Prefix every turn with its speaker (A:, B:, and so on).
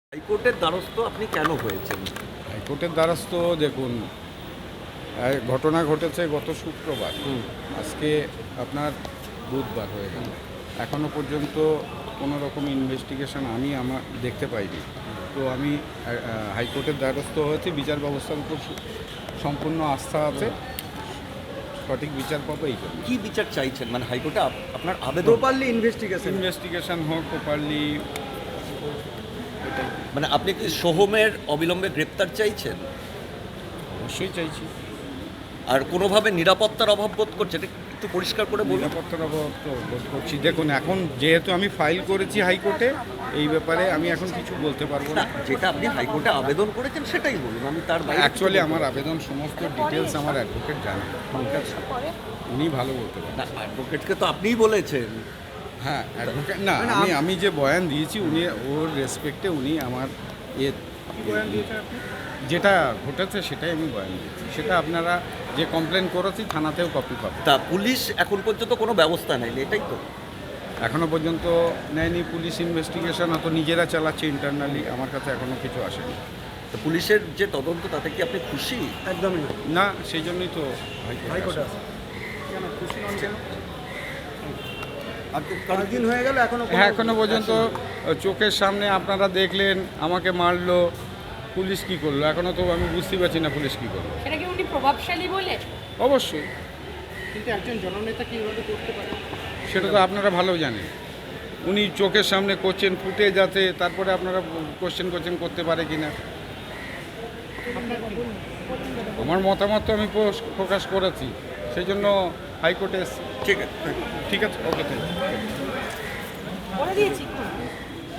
A: হাইকোর্টের দ্বারস্থ আপনি কেন হয়েছেন?
B: হাইকোর্টের দ্বারস্থ দেখুন, ঘটনা ঘটেছে গত শুক্রবার। আজকে আপনার বুধবার হয়ে গেল। এখনও পর্যন্ত কোনো রকম ইনভেস্টিগেশন আমি আমার দেখতে পাইনি। তো আমি হাইকোর্টের দ্বারস্থ হয়েছি। বিচার ব্যবস্থার উপর সম্পূর্ণ আস্থা আছে, সঠিক বিচার পাবো এই জন্য।
A: কি বিচার চাইছেন? মানে হাইকোর্টে আপনার আবেদন,
C: প্রপারলি
B: ইনভেস্টিগেশন হোক প্রপারলি।
A: মানে আপনি কি সোহমের অবিলম্বে গ্রেপ্তার চাইছেন?
B: অবশ্যই চাইছি।
A: আর কোনোভাবে নিরাপত্তার অভাব বোধ করছেন? এটা একটু পরিষ্কার করে বলুন।
B: নিরাপত্তার অভাব তো বোধ করছি। দেখুন, এখন যেহেতু আমি ফাইল করেছি হাইকোর্টে, এই ব্যাপারে আমি এখন কিছু বলতে পারবো
A: না,
B: না।
A: যেটা আপনি হাইকোর্টে আবেদন করেছেন সেটাই বলুন, আমি তার বাইরে
B: অ্যাকচুয়ালি আমার আবেদন সমস্ত ডিটেলস আমার অ্যাডভোকেট জানেন, ঠিক আছে? উনি ভালো বলতে পারেন।
A: না, অ্যাডভোকেটকে তো আপনিই বলেছেন।
B: হ্যাঁ, অ্যাডভোকেট না, আমি যে বয়ান দিয়েছি উনি ওর রেসপেক্টে উনি আমার যেটা ঘটেছে সেটাই আমি বয়ান দিয়েছি। সেটা আপনারা যে কমপ্লেন করেছি থানাতেও কপি পাবেন।
A: তা পুলিশ এখন পর্যন্ত কোনো ব্যবস্থা নেয়নি, এটাই তো?
B: এখনও পর্যন্ত নেয়নি পুলিশ। ইনভেস্টিগেশন হয়তো নিজেরা চালাচ্ছে ইন্টারনালি, আমার কাছে এখনও কিছু আসেনি।
A: তো পুলিশের যে তদন্ত তাতে কি আপনি খুশি?
C: একদমই না।
B: না, সেই জন্যই তো
C: হাইকোর্টে আছে। কেন খুশি নন কেন? কয়েকদিন হয়ে গেল এখনো
B: হ্যাঁ, এখনো পর্যন্ত চোখের সামনে আপনারা দেখলেন আমাকে মারলো, পুলিশ কি করলো এখনো তো আমি বুঝতে পারছি না পুলিশ কি করলো।
D: সেটা কি উনি প্রভাবশালী বলে?
B: অবশ্যই,
C: কিন্তু একজন জননেতা কি এভাবে করতে পারে?
B: সেটা তো আপনারা ভালো জানেন। উনি চোখের সামনে করছেন, ফুটে যাচ্ছে, তারপরে আপনারা কোশ্চেন করতে পারে কিনা। আমার মতামত তো আমি প্রকাশ করেছি, সেই জন্য হাইকোর্টে এসেছি।
A: ঠিক আছে।
B: ঠিক আছে, ওকে, থ্যাংক ইউ।
D: বলে দিয়েছি।